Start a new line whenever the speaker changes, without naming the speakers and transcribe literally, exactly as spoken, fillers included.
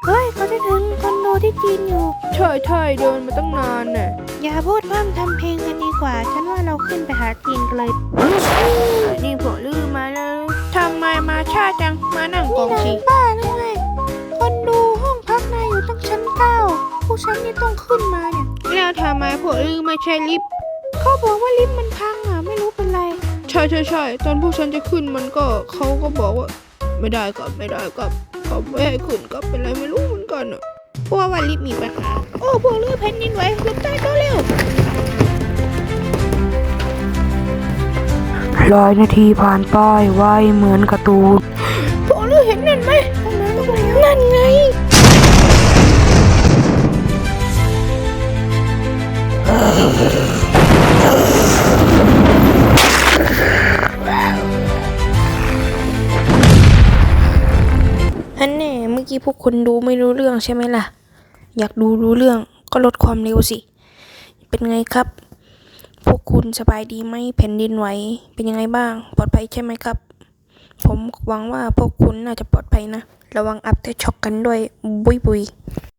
เฮ้ยเขาจะถึงคอนโดที่จีนอยู่
ใช่ใช่เดินมาตั้งนานน่ะ
อย่าพูดพร่ำทำเพลงกันดีกว่าฉันว่าเราขึ้นไปหาจีนกันเลย
นี่พวกลือมาแล้วทำไมมาช้าจังมานั่งก
นี่
อง
นา
สิ
ยบ้าหรือไงคนดูห้องพักนายอยู่ตั้งชั้นเก้าผู้ฉันนี่ต้องขึ้นมาเนี่ย
แล้วทำไมพวกลือไม่ใช่ลิฟต์
เขาบอกว่าลิฟต์มันพังอ่ะไม่รู้เป็นไร
ใช่ใช่ใช่ตอนพวกฉันจะขึ้นมันก็เขาก็บอกว่าไม่ได้ครับไม่ได้ครับเขาไม่ให้ขึ้นครับเป็นไรไม่รู้เหมือนกันอ่ะเพราะว่าลิฟต์มีปัญหาโอ้พวกลือแผ่นดินไหวหลบใต้โต๊ะเร็ว
ร้อยนาทีผ่านไปไวเหมือนการ์ตูน
พวกลือเห็นนั่นไหมนั่นไงฮันแน่เมื่อกี้พวกคุณดูไม่รู้เรื่องใช่ไหมล่ะอยากดูรู้เรื่องก็ลดความเร็วสิเป็นไงครับพวกคุณสบายดีไหมแผ่นดินไหวเป็นยังไงบ้างปลอดภัยใช่ไหมครับผมหวังว่าพวกคุณน่าจะปลอดภัยนะระวังอัพเตอร์ช็อกกันด้วยบุยบุย